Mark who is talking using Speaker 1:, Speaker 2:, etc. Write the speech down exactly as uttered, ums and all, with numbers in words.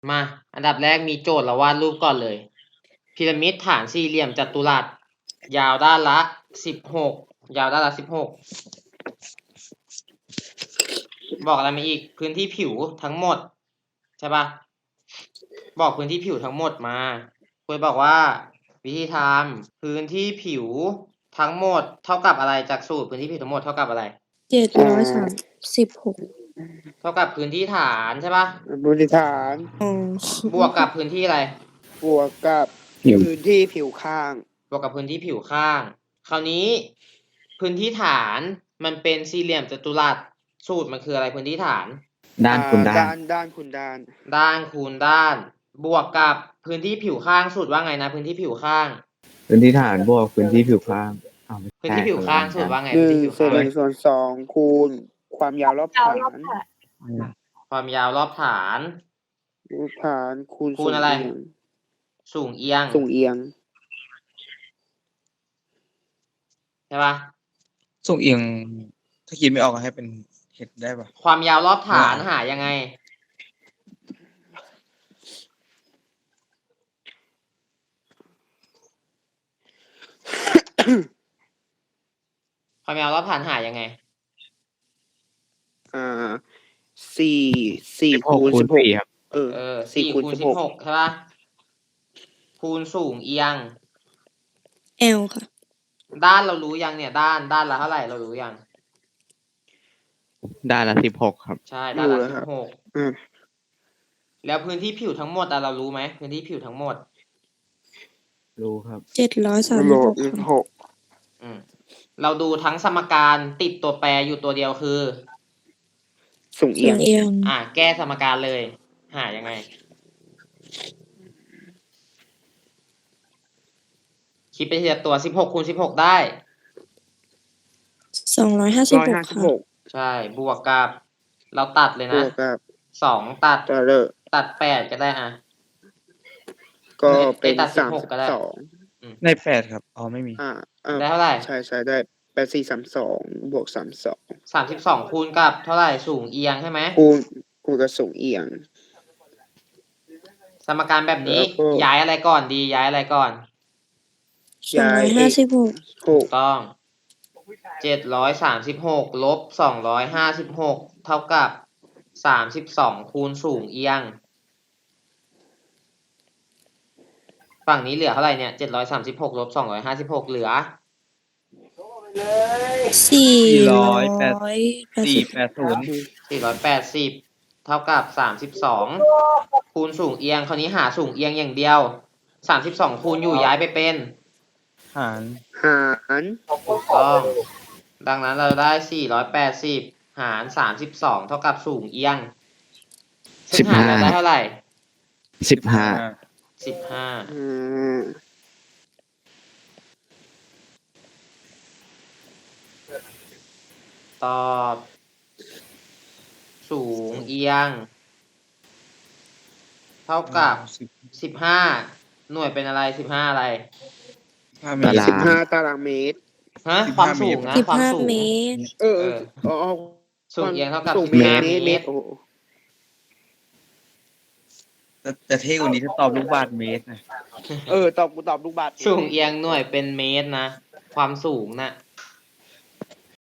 Speaker 1: มา อันดับแรกมีโจทย์เราวาดรูปก่อนเลย พีระมิดฐานสี่เหลี่ยมจัตุรัส ยาวด้านละสิบหก ยาวด้านละสิบหก บอกอะไรมาอีก พื้นที่ผิวทั้งหมด ใช่ปะบอกพื้นที่ผิวทั้งหมดมาคุยบอกว่า วิธีทำพื้นที่ผิวทั้งหมดเท่ากับอะไรจากสูตรพื้นที่ผิวทั้งหมดเท่ากับอะไร
Speaker 2: เจ็ดร้อยสามสิบหก
Speaker 1: เท่ากับพื้นที่ฐานใช่ปะ
Speaker 3: พื้นที่ฐาน
Speaker 2: อ๋อบ
Speaker 1: วกกับพื้นที่อะไร
Speaker 3: บวกกับพื้นที่ผิวข้าง
Speaker 1: บวกกับพื้นที่ผิวข้าง คราวนี้ พื้นที่ฐานมันเป็นสี่เหลี่ยมจัตุรัส สูตรมันคืออะไรพื้นที่ฐาน
Speaker 4: ด้านคูณด้าน
Speaker 3: ด้านด้านคูณด้าน
Speaker 1: ด้านคูณด้าน บวกกับพื้นที่ผิวข้างสูตรว่าไงนะ พื้นที่ผิวข้าง
Speaker 4: พื้นที่ฐานบวกพื้นที่ผิวข้างอ้าวไม่
Speaker 1: พื้น
Speaker 4: ใช่
Speaker 1: ที่ผิวข้าง
Speaker 4: คนละ
Speaker 1: สูตรว่าไง
Speaker 3: ห
Speaker 1: พื้น
Speaker 3: นึ่ง
Speaker 1: ที่ผิว
Speaker 3: ส่วน
Speaker 1: ข้าง
Speaker 3: หนึ่งส่วนสองคูณความยาวรอบฐาน
Speaker 1: ความยาวรอบฐาน
Speaker 3: รอบฐานคูณ
Speaker 1: คูณอะไร
Speaker 3: สูงเอียง
Speaker 1: สูงเอียง
Speaker 3: สูงเอียง
Speaker 1: ใช่ปะ
Speaker 5: ส่งเอียง ถ้าคิดไม่ออกก็ให้เป็นเห็ดได้ปะ
Speaker 1: ความยาวรอบฐาน
Speaker 5: อ่า
Speaker 1: หายังไง ความยาวรอบฐานหายังไง
Speaker 3: อ่าสี่สี่
Speaker 4: สิบหก
Speaker 3: คูณ
Speaker 4: คู
Speaker 3: สิ
Speaker 4: ณ
Speaker 3: บหก
Speaker 4: สี่ครับ
Speaker 3: เออ
Speaker 1: เออ
Speaker 3: สี่
Speaker 1: สี่
Speaker 3: คูณ
Speaker 1: คูณ
Speaker 3: สิบ
Speaker 1: สิ
Speaker 3: ห
Speaker 1: บ
Speaker 3: ก
Speaker 1: หกใช่ปะคูณสูงเอียง
Speaker 2: แอลค่ะ
Speaker 1: ด้านเรารู้ยังเนี่ย ด้านด้านละเท่าไหร่เรารู้ยัง
Speaker 4: ด้านละสิบหกครับ
Speaker 1: ใช่ด้านละ
Speaker 3: รู้แล้ว
Speaker 1: สิ
Speaker 3: ครับ บ
Speaker 1: หก
Speaker 3: อืม
Speaker 1: แล้วพื้นที่ผิวทั้งหมดอะเรารู้ไหมพื้นที่ผิวทั้งหมด
Speaker 4: รู้ครับ
Speaker 2: เจ็ดร้อยสาม
Speaker 3: โล
Speaker 2: สิบห
Speaker 3: บ
Speaker 2: กค่ะ
Speaker 3: หก
Speaker 1: อืมเราดูทั้งสมการติดตัวแปรอยู่ตัวเดียวคือ
Speaker 3: สูงเอี
Speaker 2: ส่
Speaker 3: ย
Speaker 2: ว
Speaker 3: ง
Speaker 2: นเอียง
Speaker 1: อ่ะแก้สมการเลย หายังไง คิดไปทีละตัวสิบหกคูณสิบหกได้
Speaker 2: สองร้อยห้าสิบ
Speaker 3: ร้อย
Speaker 2: หก
Speaker 3: ห้าสิบ
Speaker 2: ค่ะ
Speaker 3: หก
Speaker 1: ใช่ บวกกับ เราตัดเลย
Speaker 3: บ
Speaker 1: นะ
Speaker 3: วกกับ
Speaker 1: สองตัด
Speaker 3: ตะเลอ
Speaker 1: ตัดแปดก็ได้อ่ะ
Speaker 3: ก็เป็น
Speaker 1: ไอ้ตัด
Speaker 3: สาม
Speaker 1: สิบหก
Speaker 3: สิบ
Speaker 1: ก็ได้
Speaker 3: สอง
Speaker 5: ในแปดครับ อ๋อไม่มี
Speaker 3: อ่าเออ
Speaker 1: ได้เท่าไหร่
Speaker 3: ใช่ใช่ได้แปดสี่สามสองบวกสามสอง
Speaker 1: สามสิบสองคูณกับเท่าไหร่สูงเอียงใช่ไหม
Speaker 3: คูณคูณกับสูงเอียง
Speaker 1: สมการแบบนี้
Speaker 3: แล้วก็
Speaker 1: ย้ายอะไรก่อนดี ย้ายอะไรก่อน
Speaker 2: สองร้อยห้าสิบหก
Speaker 3: ห
Speaker 1: ถู
Speaker 3: ก
Speaker 1: กต้อง เจ็ดร้อยสามสิบหกลบสองร้อยห้าสิบหกเท่ากับสามสิบสองคูณสูงเอียง ฝั่งนี้เหลือเท่าไหร่เนี่ยเจ็ดร้อยสามสิบหกลบสองร้อยห้าสิบหกเหลือ
Speaker 2: สี่ร้
Speaker 5: ร้
Speaker 2: อ
Speaker 5: อย ย
Speaker 2: แป
Speaker 5: แป
Speaker 2: ด
Speaker 5: ด
Speaker 2: สิ
Speaker 5: สี่
Speaker 2: บ
Speaker 5: แปดศูนย์
Speaker 1: สี่ร้อยแปดสิบเท่ากับสามสิบสองคูณสูงเอียง คราวนี้หาสูงเอียงอย่างเดียวสามสิบสองคูณอยู่ย้ายไปเป็น
Speaker 5: หาร
Speaker 3: หาร
Speaker 1: ถูกต้อง ดังนั้นเราได้สี่ร้อยแปดสิบหารสามสิบสองเท่ากับสูงเอียงซึ่งหารเราได้เท่าไหร่
Speaker 4: สิบห้า
Speaker 1: สิบห้า
Speaker 3: อืม
Speaker 1: ตอบ สูงเอียง เท่ากับสิบห้าหน่วยเป็นอะไรสิบห้าอะไร
Speaker 5: ห้าเม
Speaker 4: ตา
Speaker 5: ตร
Speaker 4: รา
Speaker 3: สิบ
Speaker 4: ง
Speaker 3: ห้าตารางเมตร
Speaker 1: ฮะ
Speaker 5: สิบ
Speaker 1: ความ
Speaker 5: ห้า
Speaker 1: สูง
Speaker 5: เมตร
Speaker 1: นะ
Speaker 2: สิบ
Speaker 1: ความ
Speaker 2: ห้า
Speaker 1: สูง
Speaker 2: เมตร
Speaker 3: เออ
Speaker 1: เออ
Speaker 3: อ๋อ
Speaker 1: สูงเอียงเท่ากับ
Speaker 3: สูง
Speaker 1: สิบ
Speaker 3: เม
Speaker 1: ห้า
Speaker 3: ตร
Speaker 1: เม
Speaker 3: เม
Speaker 1: ต
Speaker 3: ต
Speaker 1: ร
Speaker 3: รโอ้โห
Speaker 5: แต่แต่เท่กว่านี้ถ้าตอบลูกบาศก์เมตรนะ
Speaker 3: เออตอบกูตอบลูกบาศก์
Speaker 1: สูงเอียงหน่วยเป็นเมตรนะ ความสูงนะ